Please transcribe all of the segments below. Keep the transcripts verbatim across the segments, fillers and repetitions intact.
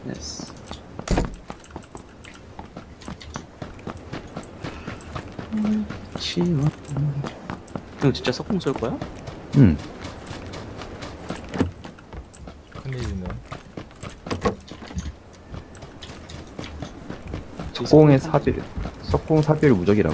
됐어. 치워. 형 진짜 석궁 쏠 거야? 응. 큰일이네. 석공의 사비, 석공 사비를 무적이라고.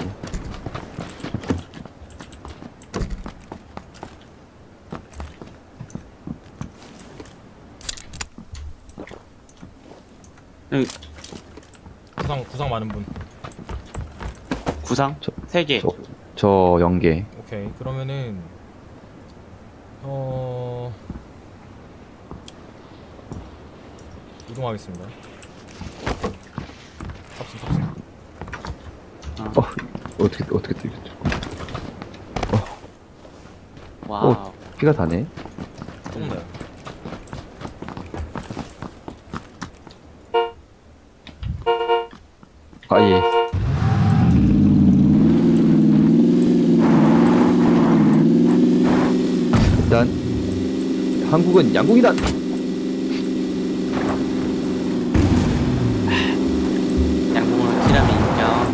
형 구상 구상 많은 분. 구상? 저- 세 개. 저, 저 연계. 오케이. 그러면은 어 이동하겠습니다. 탑승 탑승. 어. 어, 어떻게, 어떻게 뛰겠죠? 와우. 어. 피가 다네. 조금 나요. 아, 예. 일단, 한국은 양궁이다! 양궁으로 티라미 인정.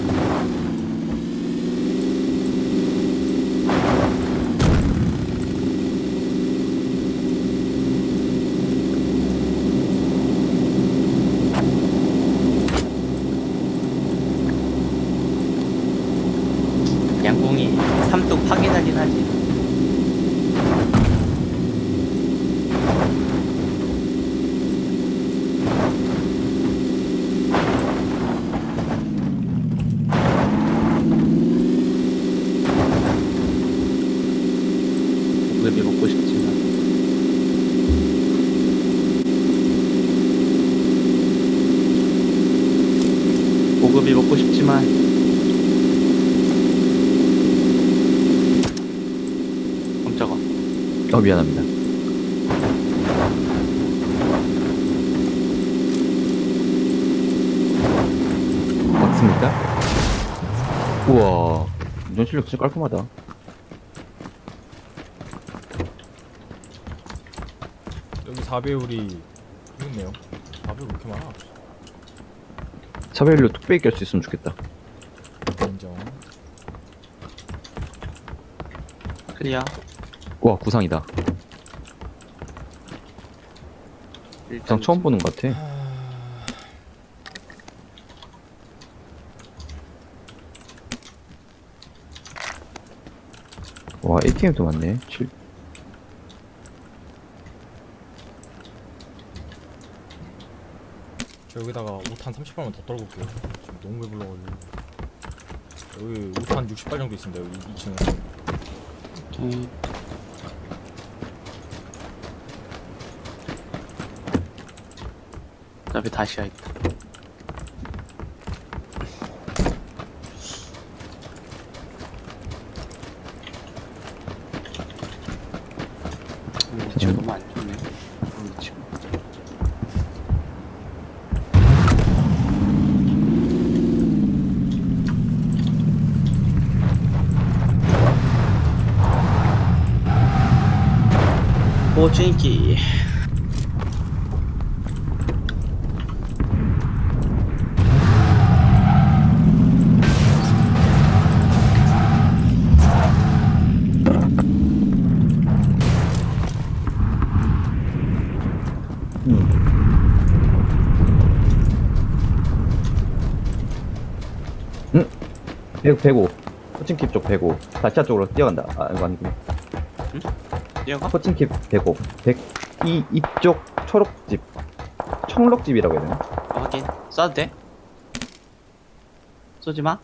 양궁이 삼뚝 파괴하긴 하지. 고급이 먹고 싶지만 고급이 먹고 싶지만 깜짝아. 어, 미안합니다. 맞습니까? 우와, 운전 실력 진짜 깔끔하다. 여기 사 배율이 있네요. 사 배율 왜 이렇게 많아? 차별로 뚝배기 깰 수 있으면 좋겠다. 인정. 클리어. 우와, 구상이다. 일단 구상 처음 보는 것 같아. 와, 에이티엠도 많네. 칠... 저 여기다가 오탄 삼십 발만 더 떨고 올게요. 지금 너무 배불러가지고. 여기 오탄 육십 발 정도 있습니다. 여기 이 층에. 오케이. 어차피 다시야 있다. 음, 위치가 너무 안 좋네. 음, 위치가. 오진기. 백, 백오. 코칭킵 쪽 백오. 다시아 쪽으로 뛰어간다. 아, 이거 아니구나. 뛰어가? 코칭킵 백오. 백, 이, 이쪽 초록집. 청록집이라고 해야 되나? 아, 확인. 쏴도 돼? 쏘지 마.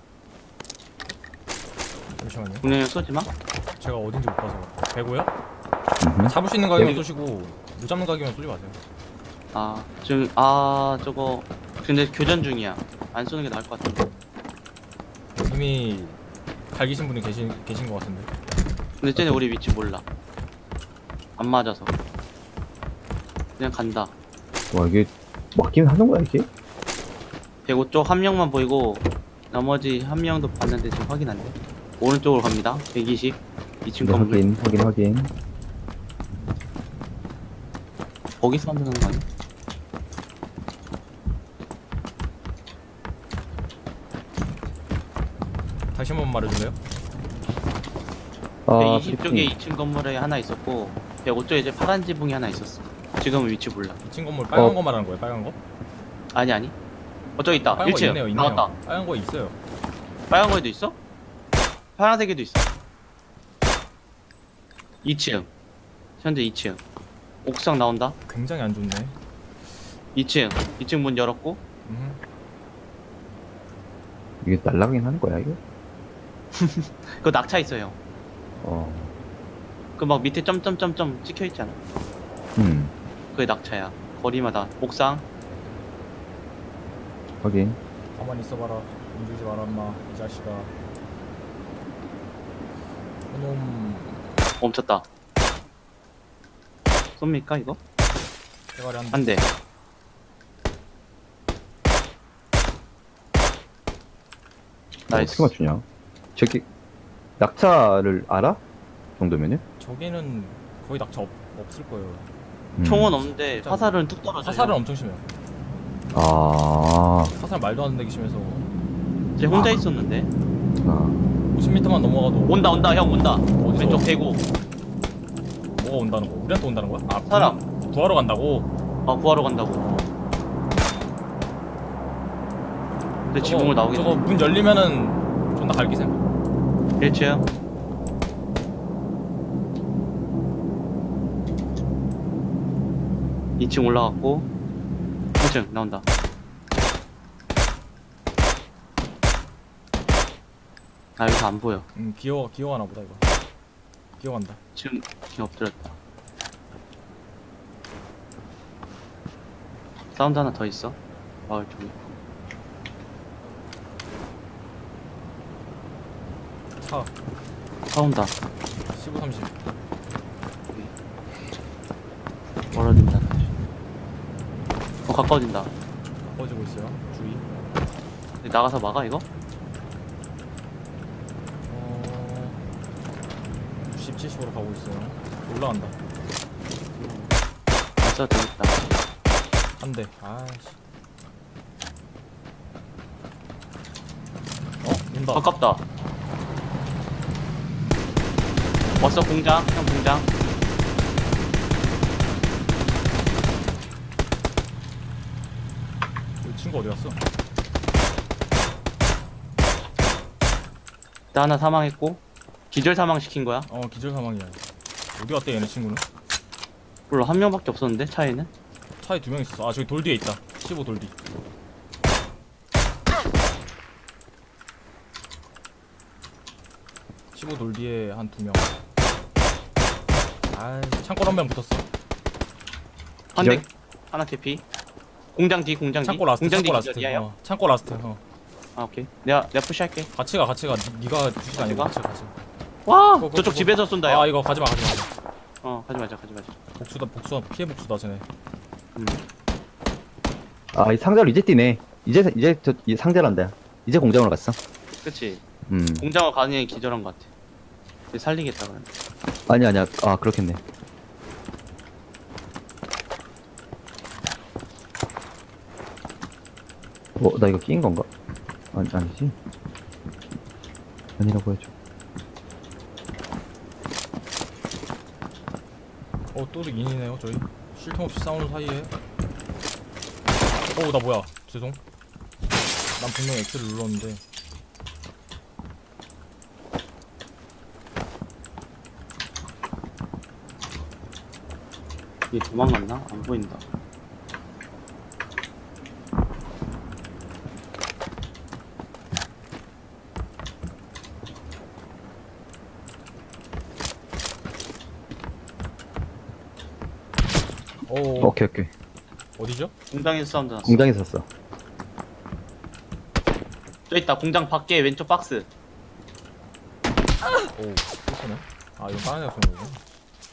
잠시만요. 분명히 쏘지 마. 제가 어딘지 못 봐서. 배고요? 음흠. 잡을 수 있는 가격만 여기- 쏘시고 못 잡는 가격만 쏘지 마세요. 아, 지금, 아, 저거. 근데 교전 중이야. 안 쏘는 게 나을 것 같은데. 이미 갈기신 분이 계신 계신 것 같은데. 근데 쟤네 우리 위치 몰라. 안 맞아서. 그냥 간다. 와, 이게 맞긴 하는 거야, 이게? 백오 쪽 한 명만 보이고, 나머지 한 명도 봤는데 지금 확인 안 돼. 오른쪽으로 갑니다. 백이십. 이 층 네, 건물. 확인, 확인, 확인. 거기서 하는 거 아니야? 다시 한번 말해줄래요? 아, 백이십 쪽에 이 층 건물에 하나 있었고 백오 쪽에 이제 파란 지붕이 하나 있었어. 지금은 위치 몰라. 이 층 건물 빨간 어. 거 말하는 거예요? 빨간 거? 아니 아니. 어 저기 있다. 빨간 거 일 층 있네요, 있네요. 나왔다. 빨간 거 있어요. 빨간 거에도 있어? 파란색에도 있어. 이 층. 현재 이 층. 옥상 나온다. 굉장히 안 좋네. 이 층. 이 층 문 열었고. 음. 이게 날라가긴 하는 거야 이거? 그거 낙차 있어요. 어. 그 막 밑에 점점점점 찍혀 있잖아. 음. 그게 낙차야. 거리마다. 옥상. 확인. 가만히 있어봐라. 움직이지 마라 인마 이 자식아. 그놈 멈췄다. 쏩니까 이거? 대가리 한 안 돼. 나이스. 어떻게 맞추냐? 저기 낙차를 알아? 정도면은? 저기는 거의 낙차 없, 없을 거예요. 음. 총은 없는데 진짜. 화살은 뚝 떨어져. 화살은 엄청 심해요. 아. 화살 말도 안 되게 심해서 쟤 혼자 있었는데. 아. 오십 미터만 넘어가도 온다 온다 형 온다. 어디서? 왼쪽 대구. 뭐가 온다는 거? 우리한테 온다는 거야? 아 사람. 구- 구하러 간다고? 어 구하러 간다고. 근데 저거- 지붕을 나오게 저거 문 열리면은 존나 갈기셈. 일 층. 이 층 올라갔고 일 층 나온다. 아 여기서 안 보여. 음 기어 기어가나 보다 이거. 기어간다. 지금 지금 엎드렸다. 사운드 하나 더 있어. 마을 쪽에. 차 차 온다. 십오 삼십. 멀어진다. 어 가까워진다. 가까워지고 있어요. 주의. 나가서 막아 이거? 어... 육십, 칠십으로 가고 있어요. 올라간다. 안 써도 되겠다. 한 대. 아이씨. 어? 온다. 가깝다. 왔어 공장. 형 공장. 이 친구 어디 갔어? 나 하나 사망했고 기절 사망 시킨 거야. 어 기절 사망이야. 어디 갔대 얘네 친구는? 물론 한 명밖에 없었는데 차에는. 차에 두 명 있었어. 아 저기 돌 뒤에 있다. 십오 돌 뒤. 십오 돌 뒤에 한 두 명. 아 창고 한 명 붙었어. 한 대. 기절? 하나 개피. 공장 뒤 공장 뒤. 창고 라스트. 공장 뒤 창고 라스트. 기절이야 형. 어, 창고 라스트. 어. 아 오케이. 내가 내가 푸시할게. 같이 가 같이 가. 니, 니가 주시가 아니고 같이 같이 가. 같이 가. 와 고, 고, 저쪽 고. 집에서 쏜다 아 형. 이거 가지마 가지마 가지마. 어 가지 마자 가지 마자. 복수다 복수다 피해 복수다 쟤네. 음. 아, 이 상자로 이제 뛰네. 이제 이제 저 이 상자란다. 이제 공장으로 갔어. 그치. 음. 공장을 가는 애 기절한 것 같아. 얘 살리겠다 그러면. 아니 아니야. 아, 그렇겠네. 어, 나 이거 끼인 건가? 아니, 아니지. 아니라고 해줘. 어 또 인이네요 저희. 쉴 틈 없이 싸우는 사이에. 어우 나 뭐야? 죄송. 난 분명 X를 눌렀는데. 얘 도망갔나? 안 보인다. 오 오케이 오케이. 어디죠? 공장에서 사운드 났어. 공장에 섰어. 저 있다. 공장 밖에 왼쪽 박스. 오 그렇구나. 아 이건 다른 애가 쏘는 거구나.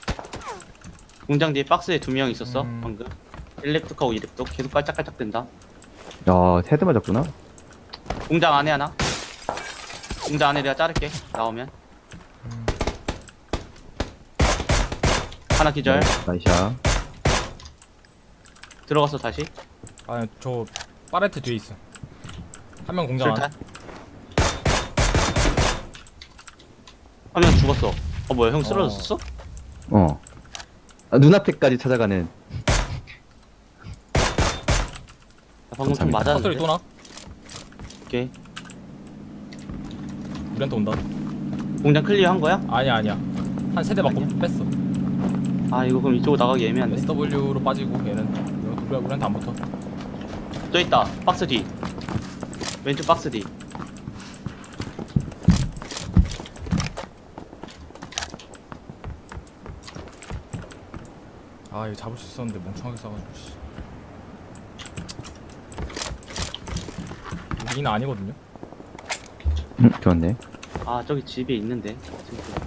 공장 뒤에 박스에 두 명 있었어. 음. 방금. 일 렙독하고 이 렙독 계속 깔짝깔짝 된다. 야, 헤드 맞았구나. 공장 안에 하나. 공장 안에 내가 자를게. 나오면. 음. 하나 기절. 나이샤. 들어갔어 다시. 아저 파레트 뒤에 있어. 한 명 공장 안. 술탄. 한 명 죽었어. 어 뭐야 형 쓰러졌어? 어. 아, 눈앞에까지 찾아가는. 나 방금 좀 감사합니다. 맞았는데. 사소리 또 나? 오케이. 우리한테 온다. 공장 클리어 한 거야? 아니야 아니야. 한 세대 맞고 아니야? 뺐어. 아 이거 그럼 이쪽으로 나가기 애매한데. 에스더블유로 빠지고 얘는 우리, 우리한테 안 붙어. 저 있다. 박스 뒤. 왼쪽 박스 뒤. 아 이거 잡을 수 있었는데 멍청하게 싸가지고 씨. 우리는 아니거든요. 음, 그렇네. 아 저기 집에 있는데. 진짜.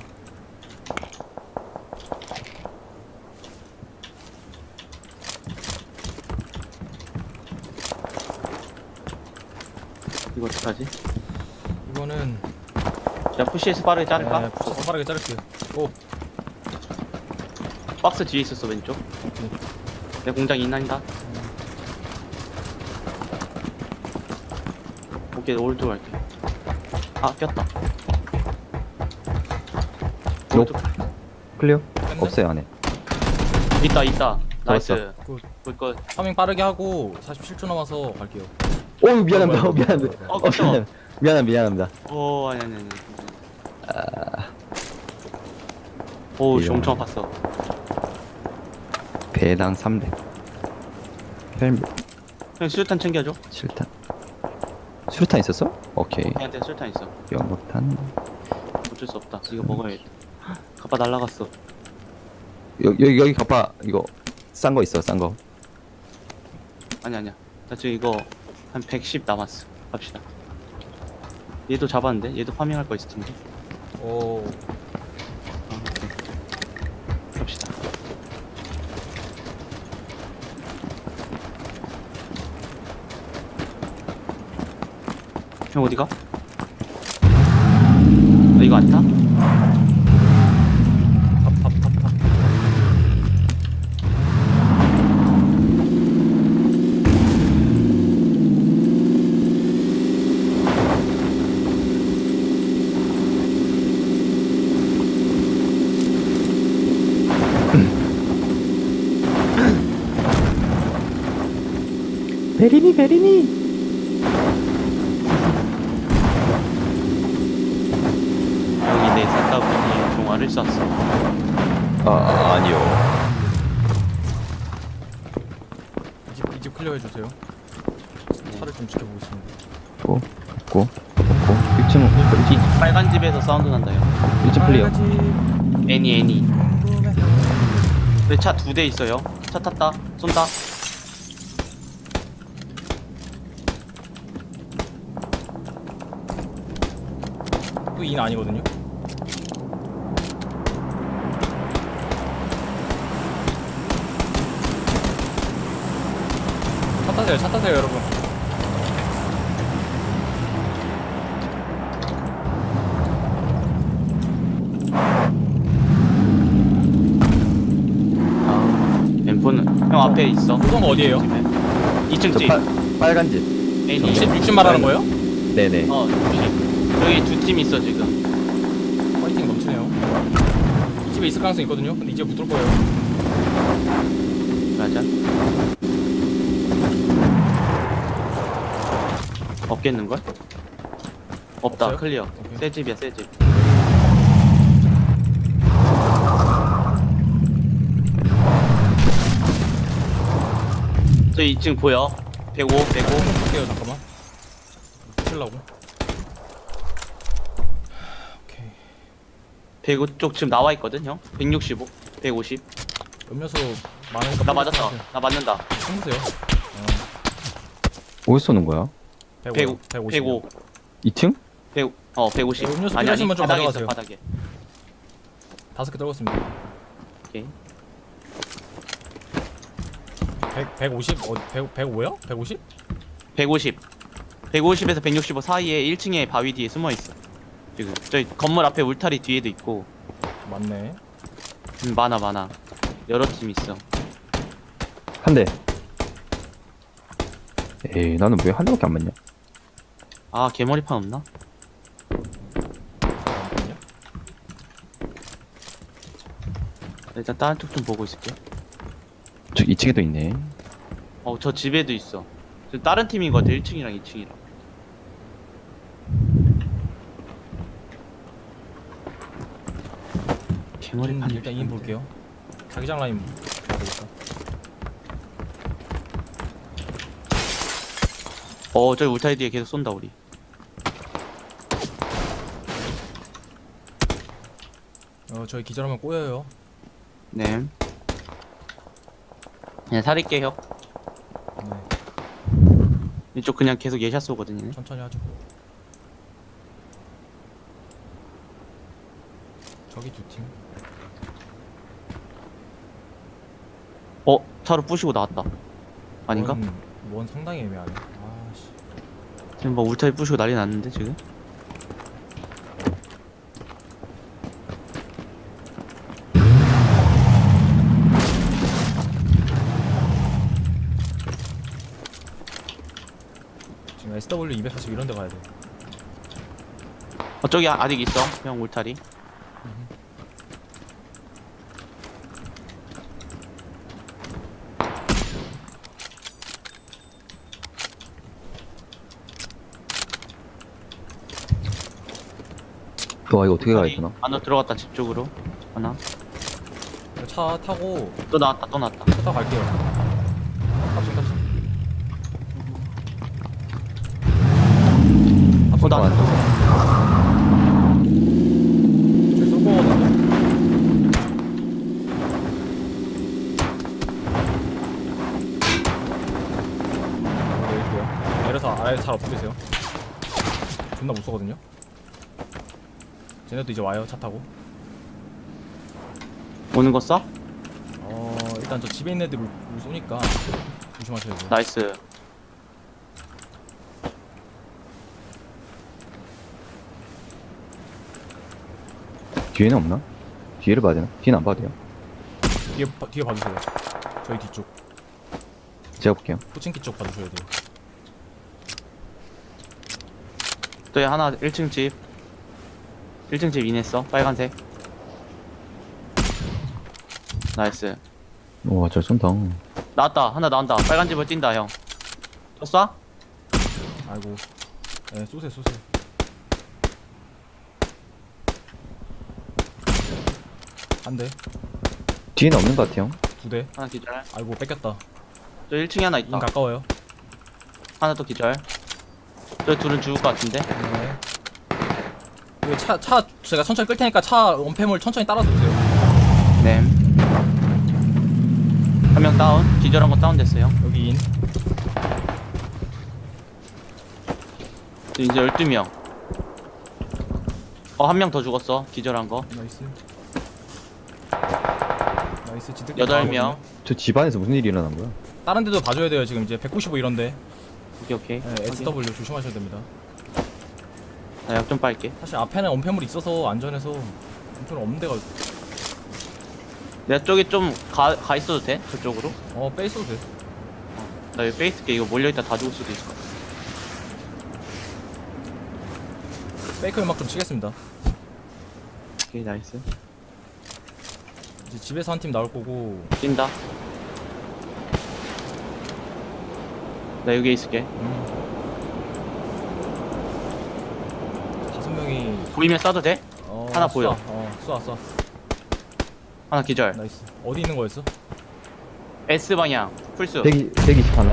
이거 어떡하지? 이거는 야 푸시에서 빠르게 자를까? 네, 붙여서 빠르게 자를게요. 오 박스 뒤에 있었어 왼쪽. 내 공장 인난이다. 오케이 오른쪽 갈게. 아 꼈다. 노. 오른쪽 클리어? 뺐네? 없어요, 안에. 있다 있다. 나이스. 잡았어. 굿. 꿀걸. 파밍 빠르게 하고 사십칠 초 남아서 갈게요. 오, 미안합니다. 뭐야, 어, 미안합니다. 뭐야, 어, 어, 미안합니다. 미안합니다. 미안합니다. 오 아니 아니 아니. 오 이런. 엄청 아팠어. 배당 삼백. 헬멧 형 수류탄 챙겨줘. 칠탄. 수류탄 있었어? 오케이. 걔한테 수류탄 있어. 연못탄. 어쩔 수 없다. 이거 먹어야겠다. 가빠 날라갔어. 여기, 여기, 여기 가봐. 이거. 싼 거 있어, 싼 거. 아니 아니야. 나 지금 이거 한 백십 남았어. 갑시다. 얘도 잡았는데? 얘도 파밍할 거 있을 텐데. 오 아, 오케이. 갑시다. 형 어디가? 너 이거 안 타? 탑탑탑탑. 베리니, 베리니! 형이 내 사다분이 종아를 쐈어. 아, 아니요. 이집 이집 클리어 해주세요. 차를 좀 지켜보겠습니다. 고, 고, 고. 일 층, 이 빨간 집에서 사운드 난다 형. 일 층 클리어. 애니 애니. 내 차 두 대 있어요. 차 탔다. 쏜다. 또인 아니거든요. 차 타세요, 차 타세요, 여러분. 아, 엠포는 형 앞에 있어. 그건 어디예요? 이 층 저 집. 빨, 빨간 집. 애니. 육십, 육십 말하는 거예요? 네네. 어, 육십. 여기 두 팀 있어 지금. 파이팅 넘치네요. 이 집에 있을 가능성이 있거든요. 근데 이제 붙을 거예요. 맞아. 없겠는 걸? 없다. 없어요? 클리어. 오케이. 새 집이야, 새 집. 저 이 층 보여? 백오, 백오. 좀 볼게요, 잠깐만. 붙으려고. 오케이. 백오 쪽 지금 나와 있거든, 형. 백육십오, 백오십. 음료수 많으니까. 나 맞았어. 나 맞는다. 챙기세요. 어디서 쏘는 거야? 백오, 백오, 백오, 이 층? 백, 어, 백오십. 네, 음료수 아니 아니, 필요하신 분좀 바닥에 있어, 가져가세요. 바닥에. 다섯 개 떨궜습니다. 오케이. 백, 백오십? 어, 백, 백오요? 백오십? 백오십. 백오십에서 백육십오 사이에 일 층에 바위 뒤에 숨어 있어. 지금 저희 건물 앞에 울타리 뒤에도 있고. 맞네. 음, 많아 많아. 여러 팀 있어. 한 대. 에이, 나는 왜 한 대밖에 안 맞냐? 아 개머리판 없나? 잠깐만요. 일단 다른 쪽 좀 보고 있을게. 저 이 층에도 있네. 어, 저 집에도 있어. 저 다른 팀인 것 같아. 일 층이랑 이 층이랑. 개머리 인, 판 일단 인 볼게요. 자기장 라인 봐야 되겠다. 어, 저기 울타리 뒤에 계속 쏜다 우리. 어 저희 기절하면 꼬여요. 네. 그냥 살릴게 형. 네. 이쪽 그냥 계속 예샷 쏘거든요. 천천히 하죠. 저기 두 팀. 어, 차로 부시고 나왔다. 아닌가? 원, 원 상당히 애매하네. 아씨. 지금 뭐 울타리 부시고 난리 났는데 지금? 지금 에스더블유 이백사십 이런 데 가야 돼. 어, 저기 아- 아직 있어. 형 울타리. 와 이거 어떻게 가야 되나? 안으로 들어갔다 집 쪽으로. 하나. 차 타고 또 나왔다 또 나왔다. 차 타고 갈게요. 탑승 탑승. 어, 나왔다. 저기 쏠 거거든요. 내릴게요. 내려서 아예 잘 엎드리세요. 존나 못 쏘거든요. 쟤네도 이제 와요 차 타고. 오는 거 쏴? 어 일단 저 집에 있는 애들 울, 울 쏘니까 조심하셔야 돼요. 나이스. 뒤에는 없나? 뒤에를 봐야 되나? 뒤는 안 봐도 돼요. 뒤에 봐- 뒤에 봐주세요. 저희 뒤쪽 제가 볼게요. 포칭키 쪽 봐주셔야 돼요. 저기 하나 일 층 집. 일 층 집 인했어. 빨간색. 나이스. 와, 저 쏜다. 나왔다. 하나 나온다. 빨간 집을 뛴다 형. 또 쏴? 아이고. 네 쏘세요 쏘세요. 한 대, 뒤에는 없는 것 같아요. 두 대. 하나 기절. 아이고 뺏겼다. 저 일 층에 하나 인 있다. 가까워요. 하나 또 기절. 저 둘은 죽을 것 같은데. 네. 이거 차, 차 제가 천천히 끌 테니까 차 원패물 천천히 따라서 오세요. 네. 한 명 다운. 기절한 거 다운 됐어요. 여기 인. 이제 열두 명. 어, 한 명 더 죽었어. 기절한 거. 나이스. 나이스 지득. 여덟 명. 저 집안에서 무슨 일이 일어난 거야? 다른 데도 봐줘야 돼요. 지금 이제 백구십오 이런데. 오케이, 오케이. 네, 에스더블유 조심하셔야 됩니다. 나 약 좀 빨게. 사실 앞에는 원패물 있어서 안전해서 원패물 없는 데가 내가 쪽에 좀 가, 가 있어도 돼? 저쪽으로? 어 빼있어도 돼. 나 여기 빼있을게. 이거 몰려있다 다 죽을 수도 있어. 페이크 음악 좀 치겠습니다. 오케이, 나이스. 이제 집에서 한 팀 나올 거고. 뛴다. 나 여기에 있을게. 음. 다섯 명이 보이면 쏴도 돼? 어, 하나 쏴. 보여. 어, 쏴, 쏴. 하나 기절. 나이스. 어디 있는 거였어? S 방향. 풀수. 백이, 백이십 하나.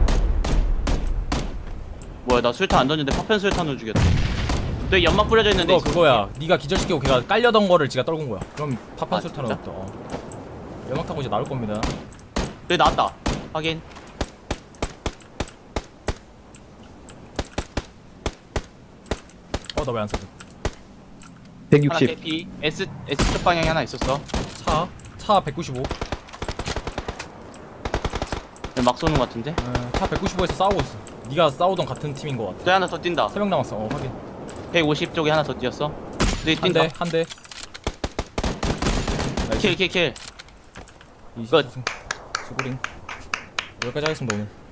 뭐야, 나 술탄 안 던졌는데 파편 술탄으로 죽였다. 또 연막 뿌려져 있는데. 그거 그거야. 네가 기절시키고 걔가 깔려던 거를 지가 떨군 거야. 그럼 파판 아, 술탄은 진짜? 없다. 어. 연막 타고 이제 나올 겁니다. 여기 나왔다. 확인. 어, 나 왜 안 쏴? 하나 백육십. 개피. S, S쪽 방향에 하나 있었어. 차, 차 백구십오. 막 쏘는 것 같은데. 어, 차 백구십오에서 싸우고 있어. 네가 싸우던 같은 팀인 거 같아. 저 하나 더 뛴다. 세 명 남았어. 어, 확인. 백오십 쪽에 하나 더 뛰었어. 저기 한 뛴다. 대, 한 대. 나이스. 킬, 킬, 킬. 이 끝. 수고링. 여기까지 하겠습니다 오늘.